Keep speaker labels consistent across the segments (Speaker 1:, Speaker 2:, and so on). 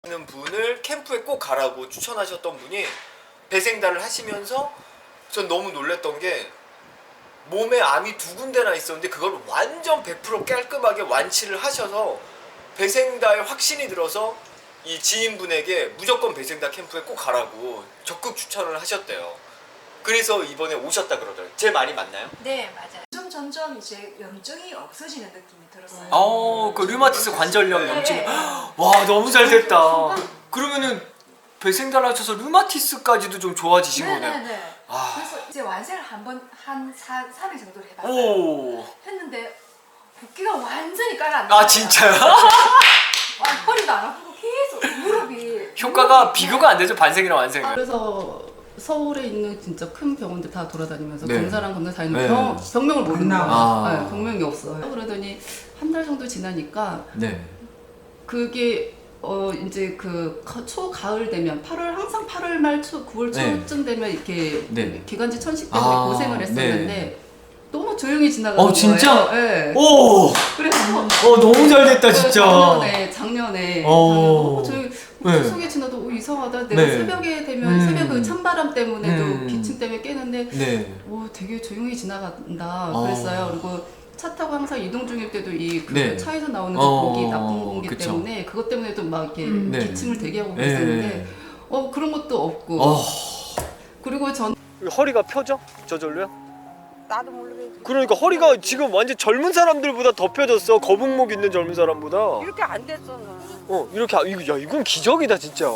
Speaker 1: 있는 분을 캠프에 꼭 가라고 추천하셨던 분이 배생다를 하시면서 전 너무 놀랬던 게 몸에 암이 2군데나 있었는데 그걸 완전 100% 깔끔하게 완치를 하셔서 배생다에 확신이 들어서 이 지인분에게 무조건 배생다 캠프에 꼭 가라고 적극 추천을 하셨대요. 그래서 이번에 오셨다 그러더라고요. 제 말이 맞나요?
Speaker 2: 네, 맞아요. 점점 이제 염증이 없어지는 느낌이 들었어요.
Speaker 1: 그 류마티스 관절염
Speaker 2: 네.
Speaker 1: 염증. 와, 너무 잘 됐다. 그러면은 배생다를 하셔서 류마티스까지도 좀 좋아지신 거네요.
Speaker 2: 네네네.
Speaker 1: 아.
Speaker 2: 그래서 이제 완세를 한 3회 정도를 해봤어요.
Speaker 1: 오.
Speaker 2: 했는데 붓기가 완전히 깔아앉아요.
Speaker 1: 아, 진짜요?
Speaker 2: 허리도 안 아프고 계속 무릎이
Speaker 1: 효과가 비교가 안 되죠, 반생이랑 완생은.
Speaker 3: 그래서 서울에 있는 진짜 큰 병원들 다 돌아다니면서
Speaker 1: 네.
Speaker 3: 검사랑 검사 다 했는데
Speaker 1: 네.
Speaker 3: 병명을 모르는 거예요.
Speaker 1: 아.
Speaker 3: 네, 병명이 없어요. 그러더니 한 달 정도 지나니까
Speaker 1: 네.
Speaker 3: 그게 이제 그 초가을 되면 8월 항상 8월 말 9월 초쯤 되면 이렇게
Speaker 1: 네.
Speaker 3: 기관지 천식 때문에 고생을 했었는데
Speaker 1: 네.
Speaker 3: 너무 조용히 지나가는
Speaker 1: 진짜?
Speaker 3: 거예요. 네.
Speaker 1: 오!
Speaker 3: 그래서
Speaker 1: 너무 잘 됐다, 진짜.
Speaker 3: 작년에
Speaker 1: 어.
Speaker 3: 저희
Speaker 1: 네.
Speaker 3: 추석에 지나도 이상하다. 내가
Speaker 1: 네.
Speaker 3: 새벽에 되면 새벽 그 찬바람 때문에도
Speaker 1: 음.
Speaker 3: 기침 때문에 깨는데
Speaker 1: 네.
Speaker 3: 되게 조용히 지나간다 그랬어요. 그리고 차 타고 항상 이동 중일 때도 그
Speaker 1: 네.
Speaker 3: 차에서 나오는 그 공기, 나쁜 공기
Speaker 1: 그쵸.
Speaker 3: 때문에 그것 때문에도 막 이렇게
Speaker 1: 네.
Speaker 3: 기침을 되게 하고
Speaker 1: 네.
Speaker 3: 그랬었는데 그런 것도 없고 그리고 전
Speaker 1: 허리가 펴져? 저절로요?
Speaker 4: 나도 모르겠지.
Speaker 1: 그러니까 허리가 지금 완전 젊은 사람들보다 더 펴졌어. 거북목 있는 젊은 사람보다.
Speaker 4: 이렇게 안 됐어. 나.
Speaker 1: 이렇게 이건 기적이다, 진짜.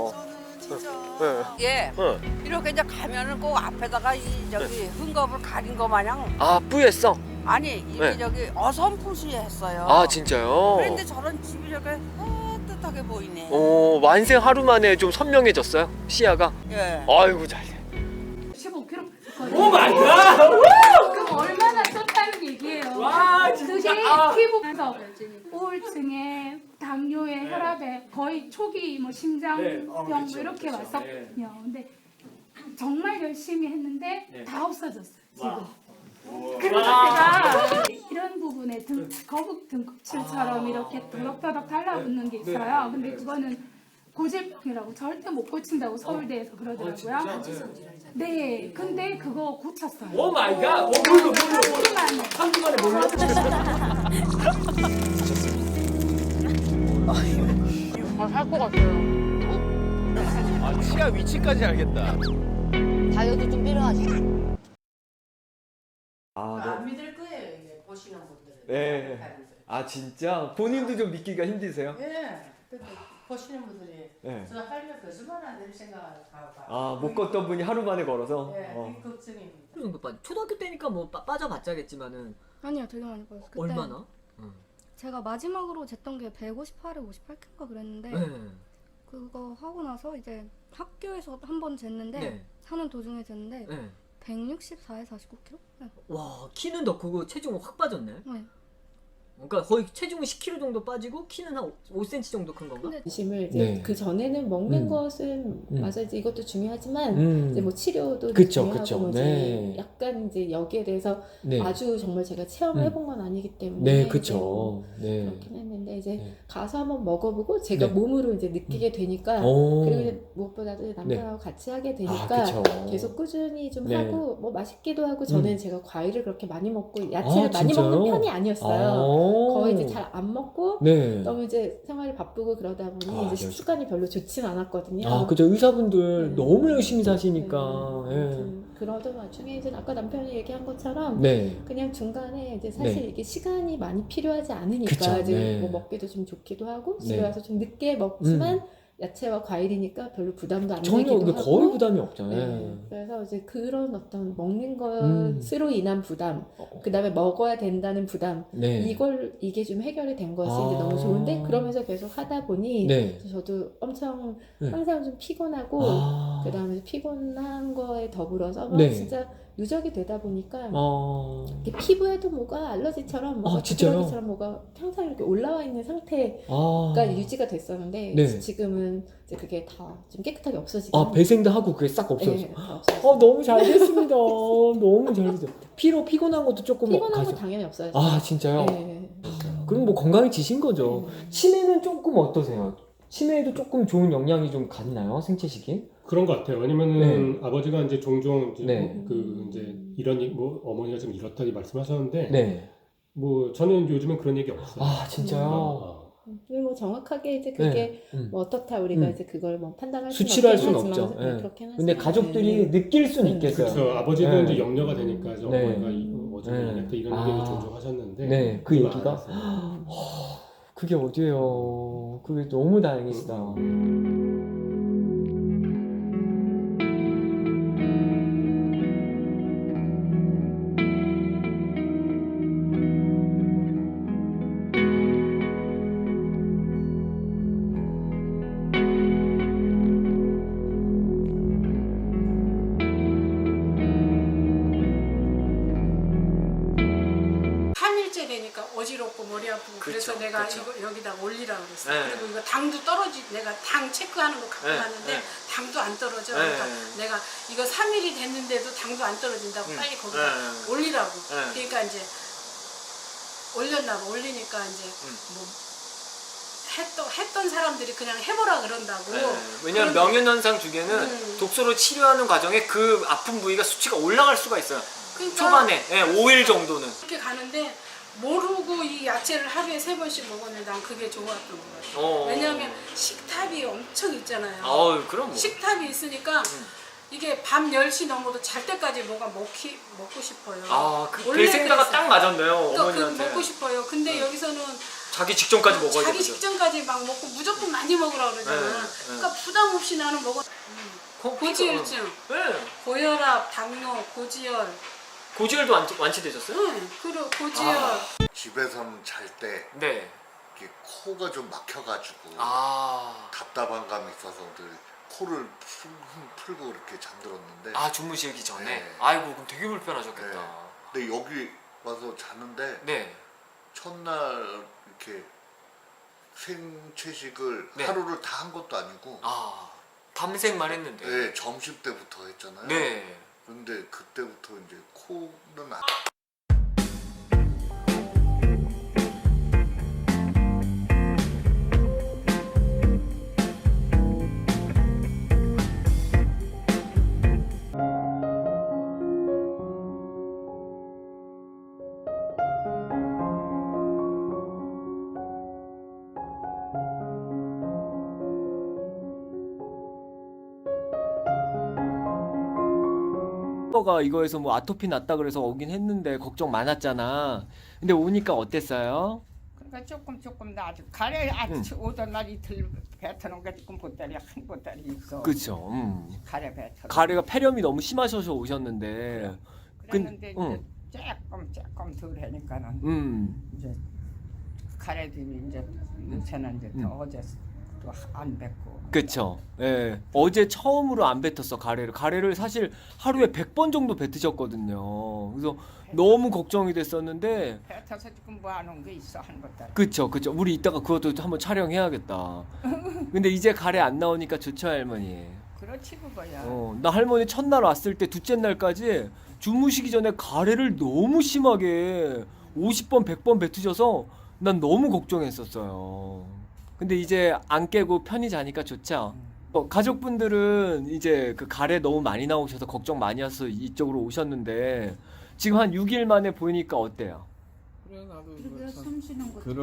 Speaker 1: 네.
Speaker 4: 예.
Speaker 1: 네.
Speaker 4: 이렇게 이제 가면은 꼭 앞에다가 저기 흠겁을 가린 거 마냥
Speaker 1: 아, 뿌였어?
Speaker 4: 아니 이게
Speaker 1: 네.
Speaker 4: 저기 어설프시했어요.
Speaker 1: 아, 진짜요?
Speaker 4: 그런데 저런 집이 이렇게 따뜻하게 보이네.
Speaker 1: 완생 하루 만에 좀 선명해졌어요? 시야가?
Speaker 4: 예.
Speaker 1: 아이고, 잘 돼.
Speaker 5: 15kg
Speaker 1: 오 마이 갓!
Speaker 5: 그럼 얼마나 쪘다는 얘기예요.
Speaker 1: 와,
Speaker 5: 그게
Speaker 1: 진짜.
Speaker 5: 피부에서 우울증에 당뇨에 혈압에 거의 초기 뭐 심장병
Speaker 1: 네.
Speaker 5: 뭐 이렇게 왔었거든요. 근데 정말 열심히 했는데 다 없어졌어요. 지금. 그래서 제가 이런 부분에 거북 등껍질처럼 이렇게 더덕더덕 달라붙는 게 있어요. 근데 그거는 고질병이라고 절대 못 고친다고 서울대에서 그러더라고요. 네, 근데 그거 고쳤어요.
Speaker 1: 오 마이 갓!
Speaker 5: 한 주만에.
Speaker 1: 3주 만에 몰랐어. 치아 위치까지 알겠다.
Speaker 6: 다이어트 좀 필요하지.
Speaker 3: 안 믿을 거예요. 이게 보시는 분들은.
Speaker 1: 네. 아, 진짜? 본인도 좀 믿기가 힘드세요?
Speaker 3: 예. 근데 보시는 분들이
Speaker 1: 네.
Speaker 3: 저 하려면 거짓말 안 될 생각을 하고
Speaker 1: 못 걷던 분이 하루 만에 걸어서?
Speaker 3: 이 걱정입니다.
Speaker 7: 정도 초등학교 때니까 뭐 빠져봤자겠지만은
Speaker 8: 아니요, 되게 많이 빠졌어요. 그때
Speaker 7: 얼마나?
Speaker 8: 제가 마지막으로 쟀던 게 158에 58kg인가 그랬는데
Speaker 7: 네.
Speaker 8: 그거 하고 나서 이제 학교에서 한 번 쟀는데
Speaker 7: 네.
Speaker 8: 사는 도중에 쟀는데
Speaker 7: 네.
Speaker 8: 164에 49kg? 네.
Speaker 7: 와 키는 더 크고 체중은 확 빠졌네.
Speaker 8: 네.
Speaker 7: 그러니까 거의 체중은 10kg 정도 빠지고 키는 한 5cm 정도 큰 건가?
Speaker 8: 근데
Speaker 9: 관심을 이제
Speaker 1: 네.
Speaker 9: 그 전에는 먹는
Speaker 1: 음.
Speaker 9: 것은 맞아 이제 이것도 중요하지만
Speaker 1: 음.
Speaker 9: 이제 뭐 치료도
Speaker 1: 그쵸,
Speaker 9: 중요하고
Speaker 1: 그쵸.
Speaker 9: 뭐 이제
Speaker 1: 네.
Speaker 9: 약간 이제 여기에 대해서
Speaker 1: 네.
Speaker 9: 아주 정말 제가 체험을 해본 건 아니기 때문에
Speaker 1: 네,
Speaker 9: 이제
Speaker 1: 그쵸. 네.
Speaker 9: 그렇긴 했는데 이제
Speaker 1: 네.
Speaker 9: 가서 한번 먹어보고 제가
Speaker 1: 네.
Speaker 9: 몸으로 이제 느끼게 되니까
Speaker 1: 오.
Speaker 9: 그리고 이제 무엇보다도 남편하고 같이 하게 되니까
Speaker 1: 그쵸.
Speaker 9: 계속 꾸준히 좀
Speaker 1: 네.
Speaker 9: 하고 뭐 맛있기도 하고 저는 제가 과일을 그렇게 많이 먹고 야채를
Speaker 1: 아,
Speaker 9: 많이
Speaker 1: 진짜요?
Speaker 9: 먹는 편이 아니었어요. 거의 이제 잘 안 먹고
Speaker 1: 네.
Speaker 9: 너무 이제 생활이 바쁘고 그러다 보니
Speaker 1: 아,
Speaker 9: 이제
Speaker 1: 네.
Speaker 9: 식습관이 별로 좋진 않았거든요.
Speaker 1: 그죠. 의사분들
Speaker 9: 네.
Speaker 1: 너무 열심히 사시니까.
Speaker 9: 네.
Speaker 1: 예.
Speaker 9: 아무튼 그러던 와중에 이제 아까 남편이 얘기한 것처럼
Speaker 1: 네.
Speaker 9: 그냥 중간에 이제 사실
Speaker 1: 네.
Speaker 9: 이게 시간이 많이 필요하지 않으니까
Speaker 1: 그쵸,
Speaker 9: 이제
Speaker 1: 네.
Speaker 9: 뭐 먹기도 좀 좋기도 하고 집에
Speaker 1: 네.
Speaker 9: 와서 좀 늦게 먹지만 야채와 과일이니까 별로 부담도 안
Speaker 1: 전혀
Speaker 9: 되기도
Speaker 1: 근데
Speaker 9: 하고
Speaker 1: 거의 부담이 없잖아요.
Speaker 9: 네. 그래서 이제 그런 어떤 먹는
Speaker 1: 음.
Speaker 9: 것으로 인한 부담, 그 다음에 먹어야 된다는 부담,
Speaker 1: 네.
Speaker 9: 이게 좀 해결이 된 것이
Speaker 1: 아.
Speaker 9: 이제 너무 좋은데 그러면서 계속 하다 보니
Speaker 1: 네.
Speaker 9: 저도 엄청
Speaker 1: 네.
Speaker 9: 항상 좀 피곤하고
Speaker 1: 아.
Speaker 9: 그 다음에 피곤한 거에 더불어서 막
Speaker 1: 네.
Speaker 9: 진짜 누적이 되다 보니까
Speaker 1: 어.
Speaker 9: 이렇게 피부에도 뭐가 알러지처럼 뭐가
Speaker 1: 진짜요?
Speaker 9: 부스러기처럼 뭐가 항상 이렇게 올라와 있는 상태가
Speaker 1: 아.
Speaker 9: 유지가 됐었는데
Speaker 1: 네.
Speaker 9: 지금은 이제 그게 다 좀 깨끗하게 없어지고
Speaker 1: 배생도 하고 그게 싹 없어졌어.
Speaker 9: 네, 다 없어졌어요.
Speaker 1: 너무 잘 됐습니다. 너무 잘 됐어요. 피곤한 것도 조금
Speaker 9: 피곤한 거 당연히 없어졌어요.
Speaker 1: 아, 진짜요?
Speaker 9: 네.
Speaker 1: 그럼 뭐 건강해지신 거죠. 치매는 조금 어떠세요?
Speaker 7: 치매에도 조금 좋은 영향이 좀 갔나요? 생채식이?
Speaker 10: 그런 것 같아요. 왜냐면은 아버지가 이제 종종 이제
Speaker 7: 네.
Speaker 10: 그 이제 뭐 어머니가 좀 이렇다고 말씀하셨는데
Speaker 7: 네.
Speaker 10: 뭐 저는 요즘은 그런 얘기 없어요.
Speaker 7: 아 진짜요?
Speaker 9: 뭐 정확하게 이제 그게 뭐 어떻다 우리가 이제 그걸 뭐 판단할 수는
Speaker 7: 수치로 할
Speaker 9: 없긴
Speaker 7: 수는
Speaker 9: 하지만,
Speaker 7: 없죠.
Speaker 9: 네,
Speaker 7: 예.
Speaker 9: 그렇긴
Speaker 7: 근데
Speaker 9: 하지만.
Speaker 7: 가족들이 느낄 수는 있겠어요.
Speaker 10: 그렇죠. 아버지도
Speaker 7: 네.
Speaker 10: 이제 염려가 되니까 이제
Speaker 7: 네.
Speaker 10: 어머니가 어제 이랬다 이런 얘기도 종종 하셨는데
Speaker 7: 네, 그
Speaker 10: 그거
Speaker 7: 얘기가?
Speaker 10: 알았어요.
Speaker 7: 그게 어디예요? 그게 너무 다행이시다.
Speaker 5: 삼일째 되니까 어지럽고 머리 아프고
Speaker 1: 그쵸,
Speaker 5: 그래서 내가
Speaker 1: 그쵸.
Speaker 5: 이거 여기다 올리라고 그랬어.
Speaker 1: 네.
Speaker 5: 그리고 이거 당도 떨어지 내가 당 체크하는 거 갖고
Speaker 1: 네,
Speaker 5: 갔는데
Speaker 1: 네.
Speaker 5: 당도 안 떨어져.
Speaker 1: 네.
Speaker 5: 그러니까 내가 이거 3일이 됐는데도 당도 안 떨어진다고 빨리 거기다
Speaker 1: 네.
Speaker 5: 올리라고.
Speaker 1: 네.
Speaker 5: 그러니까 이제 올렸나 봐. 올리니까 이제 뭐 했던 사람들이 그냥 해보라 그런다고.
Speaker 1: 네. 왜냐면 명현현상 중에는 독소로 치료하는 과정에 그 아픈 부위가 수치가 올라갈 수가 있어요.
Speaker 5: 그러니까
Speaker 1: 초반에 5일 정도는.
Speaker 5: 그렇게 가는데 모르고 이 야채를 하루에 3번씩 먹었는데 난 그게 좋았던 것 같아요. 왜냐하면 식탑이 엄청 있잖아요.
Speaker 1: 그럼 뭐.
Speaker 5: 식탑이 있으니까 이게 밤 10시 넘어도 잘 때까지 뭐가 먹고 싶어요.
Speaker 1: 그
Speaker 5: 원래
Speaker 1: 배생다가
Speaker 5: 그랬어요.
Speaker 1: 딱 맞았네요.
Speaker 5: 그러니까
Speaker 1: 어머니한테.
Speaker 5: 그거 먹고 싶어요. 근데 여기서는
Speaker 1: 자기 직전까지 먹어야
Speaker 5: 자기
Speaker 1: 되거든.
Speaker 5: 직전까지 막 먹고 무조건 많이 먹으라 그러잖아.
Speaker 1: 네,
Speaker 5: 그러니까 부담 없이 나는 먹어. 고지혈증,
Speaker 1: 네.
Speaker 5: 고혈압, 당뇨, 고지혈.
Speaker 1: 고지혈도 완치되셨어요?
Speaker 5: 응, 그리고 고지혈.
Speaker 11: 집에서는 잘 때
Speaker 1: 네.
Speaker 11: 코가 좀 막혀가지고
Speaker 1: 아.
Speaker 11: 답답한 감이 있어서 늘 코를 풀고 이렇게 잠들었는데
Speaker 1: 주무시기 전에.
Speaker 11: 네.
Speaker 1: 아이고 그럼 되게 불편하셨겠다.
Speaker 11: 네. 근데 여기 와서 자는데
Speaker 1: 네.
Speaker 11: 첫날 이렇게 생채식을
Speaker 1: 네.
Speaker 11: 하루를 다 한 것도 아니고
Speaker 1: 밤생만 했는데.
Speaker 11: 네, 점심 때부터 했잖아요.
Speaker 1: 네.
Speaker 11: 근데 그때부터 이제 코는
Speaker 7: 가 이거에서 뭐 아토피 났다 그래서 오긴 했는데 걱정 많았잖아. 근데 오니까 어땠어요?
Speaker 4: 그러니까 조금 나 아주 가래 오던 날 이틀 뱉어놓은 게 조금 보따리 한 보따리 있어.
Speaker 7: 그쵸.
Speaker 4: 가래 뱉어.
Speaker 7: 가래가 폐렴이 너무 심하셔서 오셨는데.
Speaker 4: 그랬는데 이제 조금 덜 하니까는 이제 가래도 이제 요새는 이제 더 어제 또 안 뱉고.
Speaker 7: 그쵸. 예. 어제 처음으로 안 뱉었어, 가래를. 가래를 사실 하루에 100번 정도 뱉으셨거든요. 그래서 너무 걱정이 됐었는데.
Speaker 4: 뱉어서 조금 모아놓은 게 있어 한 보따리.
Speaker 7: 그쵸. 우리 이따가 그것도 한번 촬영해야겠다. 근데 이제 가래 안 나오니까 좋죠, 할머니.
Speaker 4: 그렇지 그거야.
Speaker 7: 나 할머니 첫날 왔을 때 둘째 날까지 주무시기 전에 가래를 너무 심하게 50번, 100번 뱉으셔서 난 너무 걱정했었어요. 근데 이제 안 깨고 편히 자니까 좋죠. 가족분들은 이제 그 가래 너무 많이 나오셔서 걱정 많이 해서 이쪽으로 오셨는데 지금 한 6일 만에 보니까 어때요?
Speaker 12: 그래 나도
Speaker 2: 숨 쉬는 것도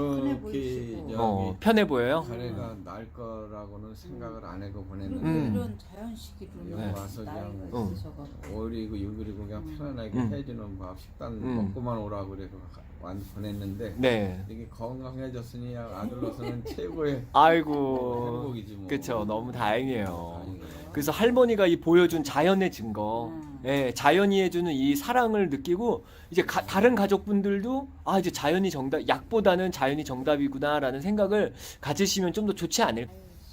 Speaker 12: 그렇게
Speaker 7: 편해 보여요?
Speaker 12: 가래가 날 거라고는 생각을 안 하고 보냈는데
Speaker 2: 이런 자연식이로
Speaker 12: 여기 와서 그냥 5일이고 6일이고 그냥 편안하게 해주는 밥 식단 먹고만 오라고 그래서 보냈는데
Speaker 7: 네.
Speaker 12: 이게 건강해졌으니 아들로서는 최고의
Speaker 7: 아이고
Speaker 12: 행복이지 뭐.
Speaker 7: 그쵸. 너무 다행이에요. 그래서 할머니가 이 보여준 자연의 증거, 예, 자연이 해주는 이 사랑을 느끼고 이제 다른 가족분들도 이제 자연이 정답, 약보다는 자연이 정답이구나라는 생각을 가지시면 좀 더 좋지 않을까?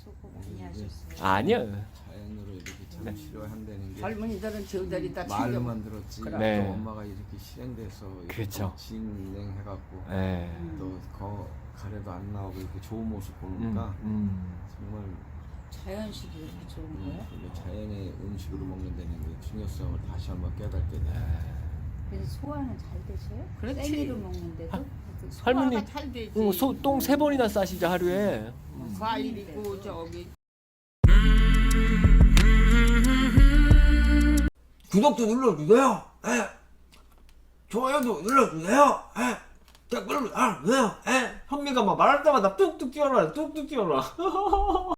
Speaker 7: 아니요.
Speaker 12: 자연으로 이렇게 참 치료한다는 게
Speaker 4: 젊은이들은 저들이 다
Speaker 12: 말로만 들었지.
Speaker 7: 네.
Speaker 12: 또 엄마가 이렇게 실행돼서
Speaker 7: 그렇죠.
Speaker 12: 진행해갖고
Speaker 7: 네.
Speaker 12: 또 가래도 안 나오고 이렇게 좋은 모습 보니까 정말
Speaker 2: 자연식이 이렇게 좋은 거야?
Speaker 12: 자연의 음식으로 먹는다는 게 중요성을 다시 한번 깨닫게 돼.
Speaker 2: 그래서 소화는 잘 되세요?
Speaker 4: 그렇지.
Speaker 2: 생이로 먹는데도?
Speaker 7: 할머니
Speaker 4: 잘 되지.
Speaker 7: 똥 3번이나 싸시죠 하루에.
Speaker 4: 과일이고 저기
Speaker 13: 구독도 눌러주세요. 좋아요도 눌러주세요. 댓글도 달아주세요. 현미가 막 말할 때마다 뚝뚝 뛰어나, 뚝뚝 뛰어나.